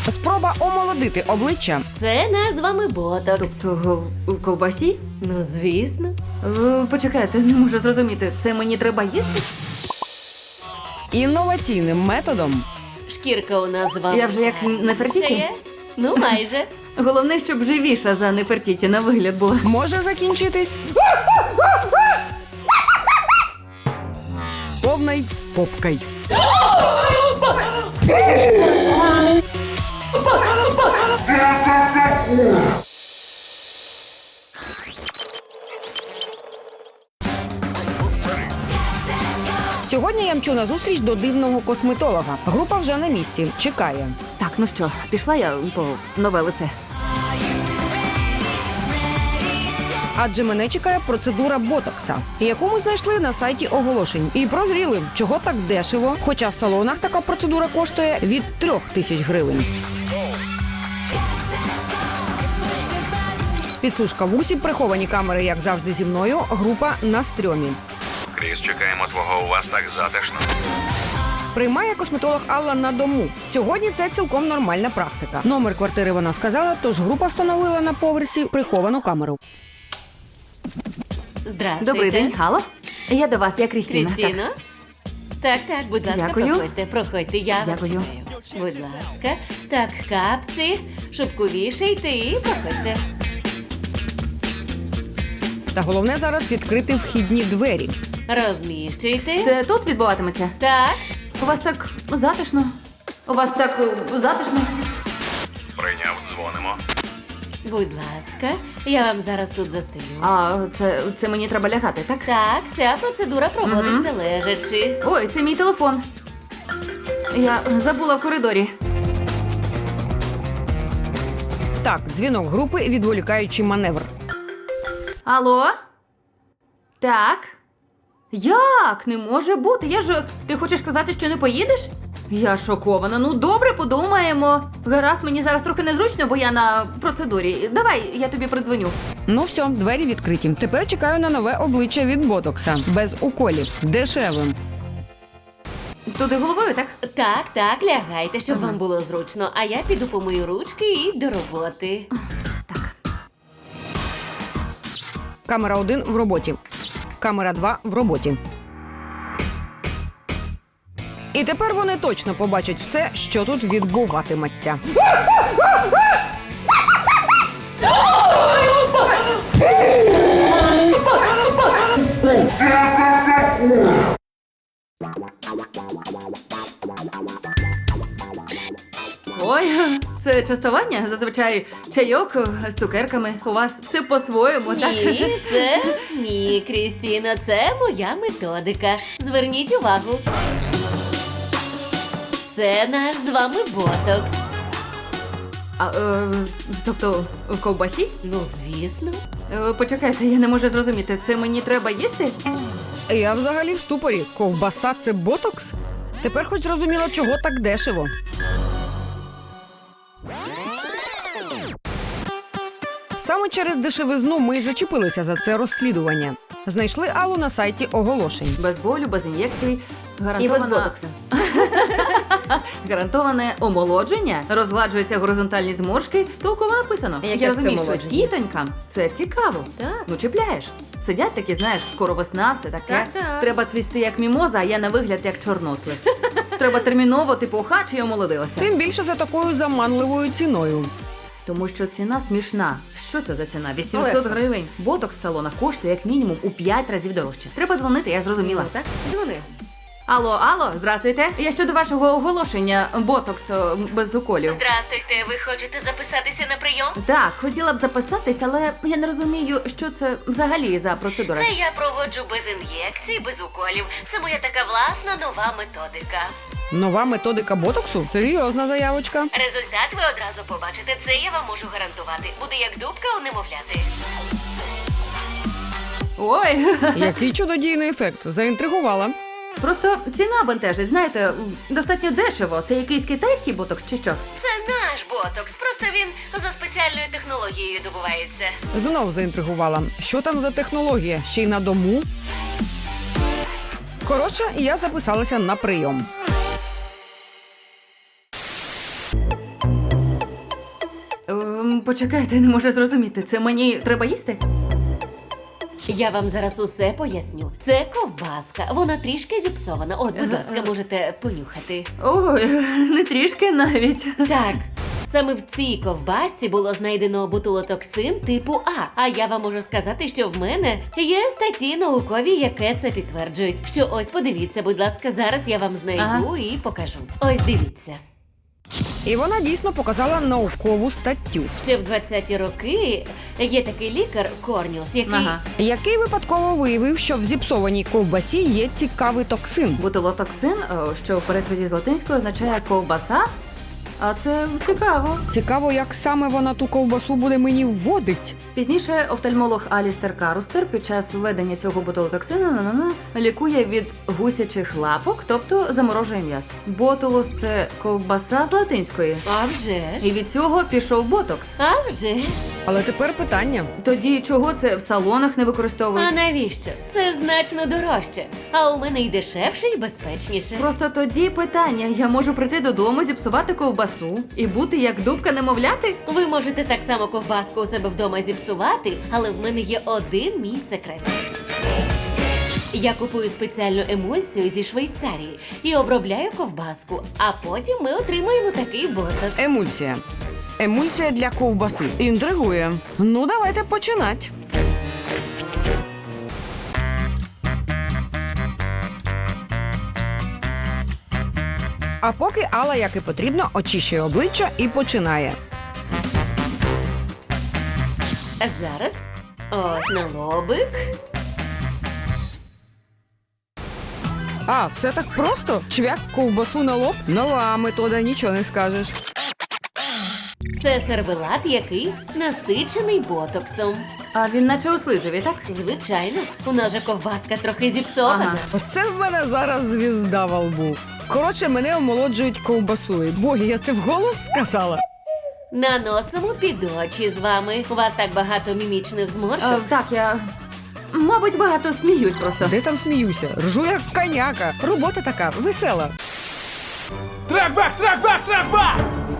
Спроба омолодити обличчя. Це наш з вами ботокс. Тобто у ковбасі? Ну, звісно. Почекайте, не можу зрозуміти. Це мені треба їсти? Інноваційним методом. Шкірка у нас з вами. Я вже як Нефертіті? Ще є? Ну, майже. Головне, щоб живіша за Нефертіті на вигляд була. Може закінчитись повною попкою. Сьогодні я мчу на зустріч до дивного косметолога. Група вже на місці, чекає. Так, ну що, пішла я по нове лице. Адже мене чекає процедура ботокса, яку ми знайшли на сайті оголошень. І прозріли, чого так дешево, хоча в салонах така процедура коштує від 3000 гривень. Підслужка в усі, приховані камери, як завжди зі мною, група на стрьомі. Кріс, чекаємо твого, у вас так затишно. Приймає косметолог Алла на дому. Сьогодні це цілком нормальна практика. Номер квартири вона сказала, тож група встановила на поверсі приховану камеру. Здравствуйте. Добрий день, Хало. Я до вас, я Крістіна. Крістіно? Так, будь ласка, Дякую. проходьте, я Дякую. вас чекаю. Будь ласка. Так, капці, шубку вішайте і проходьте. Та головне зараз відкрити вхідні двері. Розміщуйте. Це тут відбуватиметься? Так. У вас так затишно. У вас так затишно. Прийняв, дзвонимо. Будь ласка, я вам зараз тут застелю. А це мені треба лягати, так? Так, ця процедура проводиться лежачи. Ой, це мій телефон. Я забула в коридорі. Так, дзвінок групи, відволікаючий маневр. Алло? Так? Як? Не може бути. Ти хочеш сказати, що не поїдеш? Я шокована. Ну, добре, подумаємо. Гаразд, мені зараз трохи незручно, бо я на процедурі. Давай, я тобі придзвоню. Ну все, двері відкриті. Тепер чекаю на нове обличчя від ботокса. Без уколів. Дешевим. Туди головою, так? Так, лягайте, щоб вам було зручно. А я піду помию ручки і до роботи. Камера 1 в роботі. Камера 2 в роботі. І тепер вони точно побачать все, що тут відбуватиметься. Ой, це частування? Зазвичай чайок з цукерками. У вас все по-своєму, так? Ні, Крістіно, це моя методика. Зверніть увагу. Це наш з вами ботокс. Тобто в ковбасі? Ну, звісно. Почекайте, я не можу зрозуміти. Це мені треба їсти? Я взагалі в ступорі. Ковбаса – це ботокс? Тепер хоч зрозуміла, чого так дешево. Саме через дешевизну ми й зачепилися за це розслідування. Знайшли Аллу на сайті оголошень. Без болю, без ін'єкцій. І без ботоксу. Гарантоване омолодження, розгладжуються горизонтальні зморшки, толково написано. Яке Я ж це розумію, що омолодження? тітонькам це цікаво. Так. Ну, чіпляєш. Сидять такі, знаєш, скоро весна, все таке. Так. Треба цвісти як мімоза, а я на вигляд як чорнослив. Треба терміново, типу, хач і омолодилася. Тим більше за такою заманливою ціною. Тому що ціна смішна. Що це за ціна? 800 гривень. Ботокс в салонах коштує як мінімум у 5 разів дорожче. Треба дзвонити, я зрозуміла. Ну, так, дзвони. Алло, здравствуйте. Я щодо вашого оголошення ботоксу без уколів. Здравствуйте, ви хочете записатися на прийом? Так, хотіла б записатись, але я не розумію, що це взагалі за процедура. Це я проводжу без ін'єкцій, без уколів. Це моя така власна нова методика. Нова методика ботоксу? Серйозна заявочка. Результат ви одразу побачите. Це я вам можу гарантувати. Буде як дубка у немовляти. Ой, Який чудодійний ефект. Заінтригувала. просто ціна бентежить. Знаєте, достатньо дешево. Це якийсь китайський ботокс чи що? Це наш ботокс. Просто він за спеціальною технологією добувається. Знов заінтригувала. Що там за технологія? Ще й на дому? Коротше, я записалася на прийом. Почекайте, не можу зрозуміти. Це мені треба їсти? Я вам зараз усе поясню. Це ковбаска. Вона трішки зіпсована. От, будь ласка, можете понюхати. Ой, не трішки навіть. Так. Саме в цій ковбасці було знайдено ботулотоксин типу А. А я вам можу сказати, що в мене є статті наукові, яке це підтверджують. Що ось подивіться, будь ласка, зараз я вам знайду і покажу. Ось дивіться. І вона дійсно показала наукову статтю, Ще в 20-ті роки є такий лікар Корніус, який випадково виявив, що в зіпсованій ковбасі є цікавий токсин. Бутилотоксин, що в перекладі з латинської означає ковбаса. А це цікаво. Цікаво, як саме вона ту ковбасу буде мені вводить. Пізніше офтальмолог Алістер Карустер під час введення цього ботулотоксину лікує від гусячих лапок, тобто заморожує м'ясо. Ботулус – це ковбаса з латинської. А вже І ж. від цього пішов ботокс. А вже ж. Але тепер питання. Тоді чого це в салонах не використовують? А навіщо? Це ж значно дорожче. А у мене й дешевше, і безпечніше. Просто тоді питання: я можу прийти додому, зіпсувати ковбасу і бути як дубка немовляти? Ви можете так само ковбаску у себе вдома зіпсувати, але в мене є один мій секрет. Я купую спеціальну емульсію зі Швейцарії і обробляю ковбаску, а потім ми отримаємо такий ботокс. Емульсія. Емульсія для ковбаси. Інтригує. Ну, давайте починати. А поки Алла, як і потрібно, очищує обличчя і починає. А зараз ось на лобик. А, все так просто? Чвяк ковбасу на лоб? Нова метода, нічого не скажеш. Це сервелат, який насичений ботоксом. А він наче у слизові, так? Звичайно, у нас же ковбаска трохи зіпсована. Ага. Оце в мене зараз звізда во лбу. Коротше, мене омолоджують ковбасою. Боги, я це вголос сказала? Наносимо під очі з вами. У вас так багато мімічних зморшок. Так, я, мабуть, багато сміюсь просто. Де там сміюся? Ржу як коняка. Робота така, весела. Трак-бак, трак-бак, трак-бак!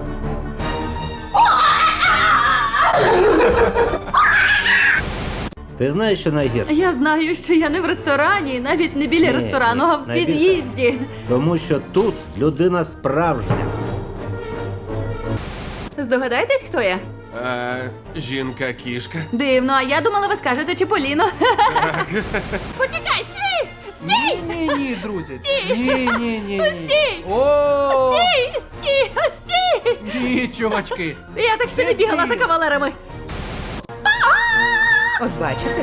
Ти знаєш, що найгірше? Я знаю, що я не в ресторані, навіть не біля Ні, ресторану, ні, а в найбільше. під'їзді. Тому що тут людина справжня. Здогадаєтесь, хто я? Жінка-кішка. Дивно, а я думала, ви скажете Чіполіно. Почекай, стій! Ні, друзі. Ні. Стій! О, Стій! Стій! ні, чувачки. Я так ще не бігала за кавалерами. От бачите?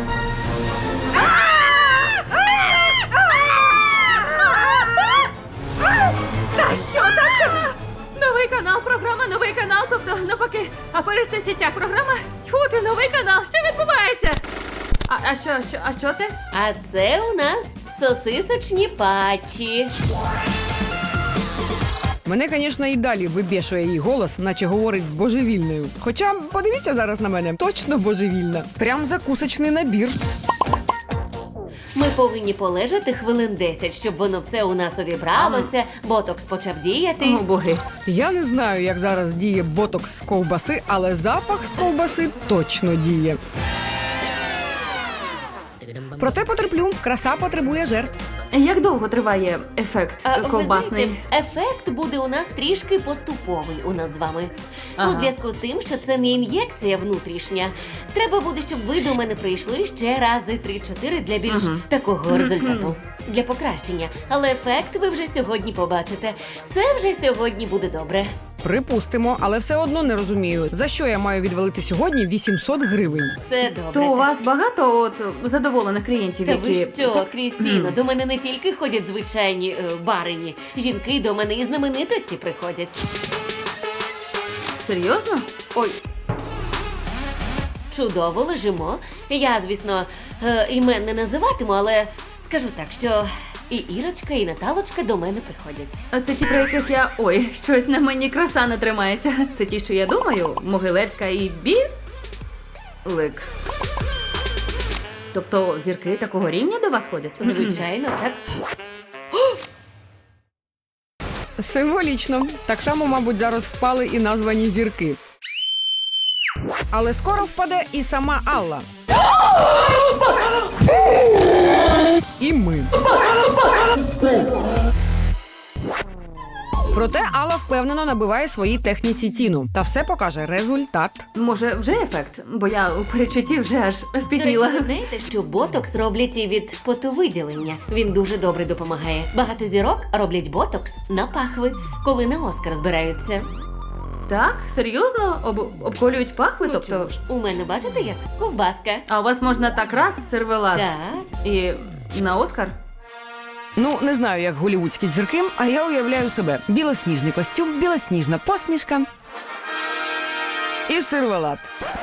Та що таке? Новий канал, програма, новий канал, тобто навпаки, аферисти в сітях, програма. Тьфу ти, новий канал, що відбувається? А що це? А це у нас сосисочні патчі. Мене, звісно, і далі вибішує її голос, наче говорить з божевільною. Хоча, подивіться зараз на мене, точно божевільна. Прям закусочний набір. Ми повинні полежати хвилин 10, щоб воно все у нас увібралося, ботокс почав діяти. О, боги. Я не знаю, як зараз діє ботокс з ковбаси, але запах з ковбаси точно діє. Проте потерплю, краса потребує жертв. Як довго триває ефект Ви ковбасний? знаєте, ефект буде у нас трішки поступовий у нас з вами. Ага. У зв'язку з тим, що це не ін'єкція внутрішня. Треба буде, щоб ви до мене прийшли ще рази 3-4 для більш такого результату. Для покращення. Але ефект ви вже сьогодні побачите. Все вже сьогодні буде добре. Припустимо, але все одно не розумію, за що я маю відвалити сьогодні 800 гривень. Все добре. То у вас багато задоволених клієнтів, Та які... ви що, Крістіно, до мене не тільки ходять звичайні барині. Жінки до мене і знаменитості приходять. Серйозно? Ой. Чудово лежимо. Я, звісно, імен не називатиму, але скажу так, що і Ірочка, і Наталочка до мене приходять. Це ті, про яких я... Ой, щось на мені краса не тримається. Це ті, що я думаю, Могилевська і Білик. Тобто зірки такого рівня до вас ходять? Звичайно, так. Символічно. Так само, мабуть, зараз впали і названі зірки. Але скоро впаде і сама Алла. І ми. Проте Алла впевнено набиває своїй техніці ціну. Та все покаже результат. Може, вже ефект? Бо я у передчутті вже аж До речі, спітніла. ви знаєте, що ботокс роблять і від потовиділення. Він дуже добре допомагає. Багато зірок роблять ботокс на пахви, коли на Оскар збираються. Так? Серйозно? Обколюють пахви? Ну, тобто. чому ж? У мене, бачите, як ковбаска. А у вас можна так раз сервелат? Так. І на Оскар? Ну, не знаю, як голівудські зірки, а я уявляю себе. Білосніжний костюм, білосніжна посмішка і сервелат.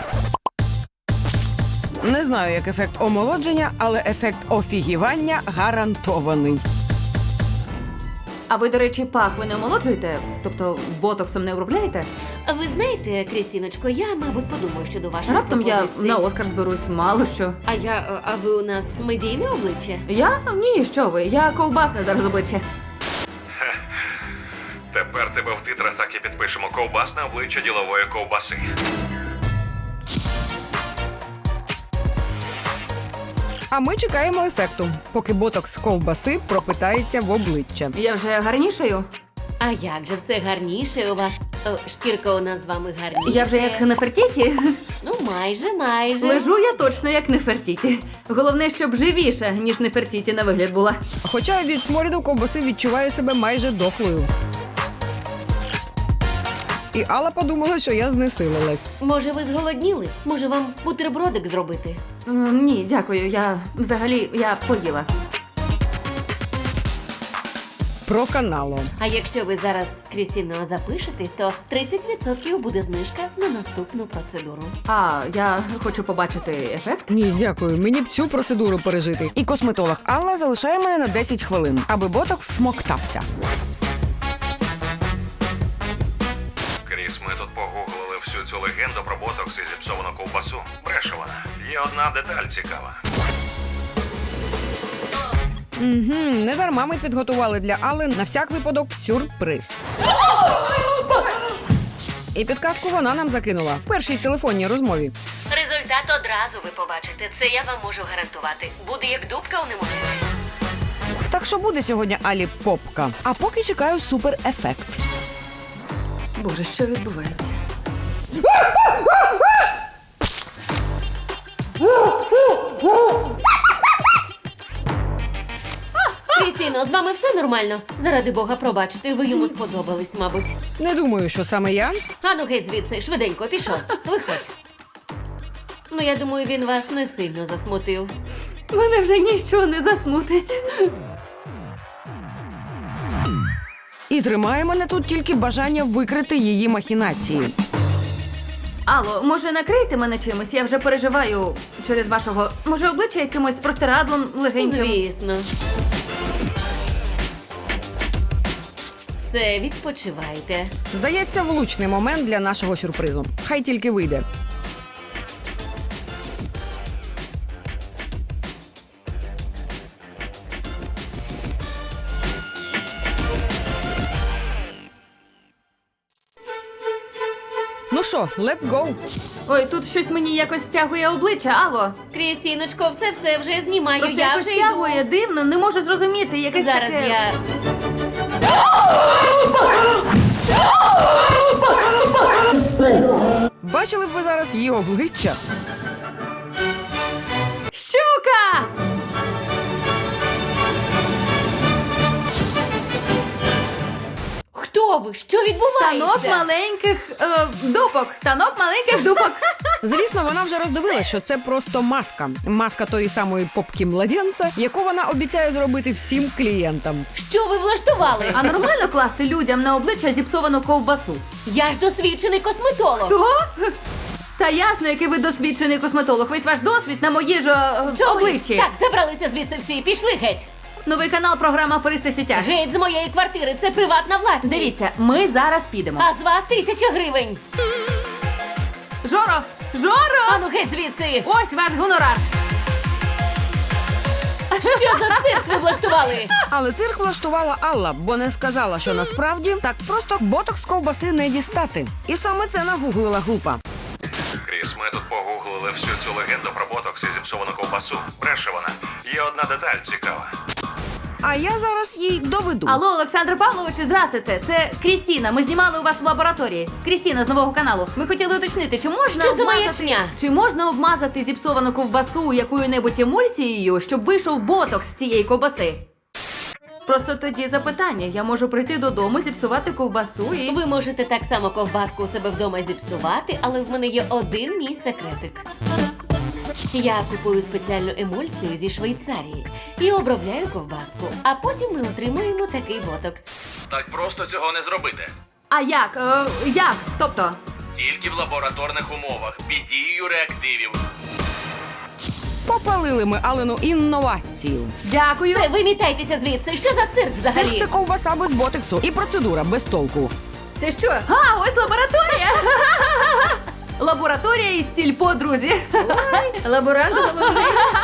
Не знаю, як ефект омолодження, але ефект офігівання гарантований. А ви, до речі, пахви не омолоджуєте? Тобто ботоксом не обробляєте? А ви знаєте, Крістіночко, я, мабуть, подумаю щодо вашої Раптом я пропозиції. на Оскар зберусь, мало що. А ви у нас медійне обличчя? Я? Ні, що ви? Я ковбасне зараз обличчя. Тепер тебе в титрах так і підпишемо: ковбасне обличчя ділової ковбаси. А ми чекаємо ефекту, поки ботокс з ковбаси пропитається в обличчя. Я вже гарнішаю? А як же все гарніше у вас? Шкірка у нас з вами гарніша. Я вже як Нефертіті? Ну, майже. Лежу я точно як Нефертіті. Головне, щоб живіша, ніж Нефертіті на вигляд була. Хоча від сморіду ковбаси відчуваю себе майже дохлою. І Алла подумала, що я знесилилась. Може, ви зголодніли? Може, вам бутербродик зробити? Ні, дякую. Я поїла. Проканало. А якщо ви зараз, Крістіно, запишетесь, то 30% буде знижка на наступну процедуру. А, я хочу побачити ефект. Ні, дякую. Мені б цю процедуру пережити. І косметолог Алла залишає мене на 10 хвилин, аби ботокс смоктався. Кріс, ми тут погуглили всю цю легенду про ботокс і зіпсовану ковбасу. Бреше вона. Є одна деталь цікава. Не дарма ми підготували для Алли на всяк випадок сюрприз. І підказку вона нам закинула в першій телефонній розмові. Результат одразу ви побачите. Це я вам можу гарантувати. Буде як дубка у немовлі. Так що буде сьогодні Алі попка. А поки чекаю суперефект. Боже, що відбувається? Крістіно, з вами все нормально? Заради Бога, пробачте, ви йому сподобались, мабуть. Не думаю, що саме я. Ану, геть звідси, швиденько, пішов. Виходь. Ну, я думаю, він вас не сильно засмутив. Мене вже ніщо не засмутить. І тримає мене тут тільки бажання викрити її махінації. Алло, може накрийте мене чимось? Я вже переживаю через вашого. Може, обличчя якимось простирадлом легеньким? Звісно. Все, відпочивайте. Здається, влучний момент для нашого сюрпризу. Хай тільки вийде. Ну що, let's go. Ой, тут щось мені якось стягує обличчя, алло. Крістіночко, все вже знімаю, Просто я якось вже стягує, йду. дивно, не можу зрозуміти, якесь Зараз таке... я... Бачили б ви зараз її обличчя? Щука! Хто ви? Що відбувається? Танок маленьких дупок. Танок маленьких дупок. Звісно, вона вже роздивилась, що це просто маска. Маска тої самої попки младенця, яку вона обіцяє зробити всім клієнтам. Що ви влаштували? А нормально класти людям на обличчя зіпсовану ковбасу? Я ж досвідчений косметолог. То? Та ясно, який ви досвідчений косметолог. Весь ваш досвід на моїй ж Чого ви? обличчі. Так, забралися звідси всі, пішли геть. Новий канал програма «Аферисти в сітях». Геть з моєї квартири, це приватна власність. Дивіться, ми зараз підемо. А з вас 1000 гривень. Жоро! Жоро! Ану геть звідси. Ось ваш гонорар. Що за цирк ви влаштували? Але цирк влаштувала Алла, бо не сказала, що насправді так просто ботокс з ковбаси не дістати. І саме це нагуглила група. Кріс, ми Ми тут погуглили всю цю легенду про ботокс і зіпсовану ковбасу. Бреше вона. Є одна деталь цікава. А я зараз їй доведу. Алло, Олександр Павлович, здравствуйте. Це Крістіна. Ми знімали у вас в лабораторії. Крістіна з нового каналу. Ми хотіли уточнити, чи можна Що за маячня? Чи можна обмазати зіпсовану ковбасу якою-небудь емульсією, щоб вийшов ботокс з цієї ковбаси? Просто тоді запитання. Я можу прийти додому, зіпсувати ковбасу і... Ви можете так само ковбаску у себе вдома зіпсувати, але в мене є один мій секретик. Я купую спеціальну емульсію зі Швейцарії і обробляю ковбаску, а потім ми отримуємо такий ботокс. Так просто цього не зробити. А як? Як? Тобто? Тільки в лабораторних умовах, під дією реактивів. Попалили ми Алину інновацію. Дякую. Це вимітайтеся звідси. Що за цирк взагалі? Це ковбаса без ботексу і процедура без толку. Це що? А, ось лабораторія! Лабораторія із сільпо, друзі. Лаборант головний.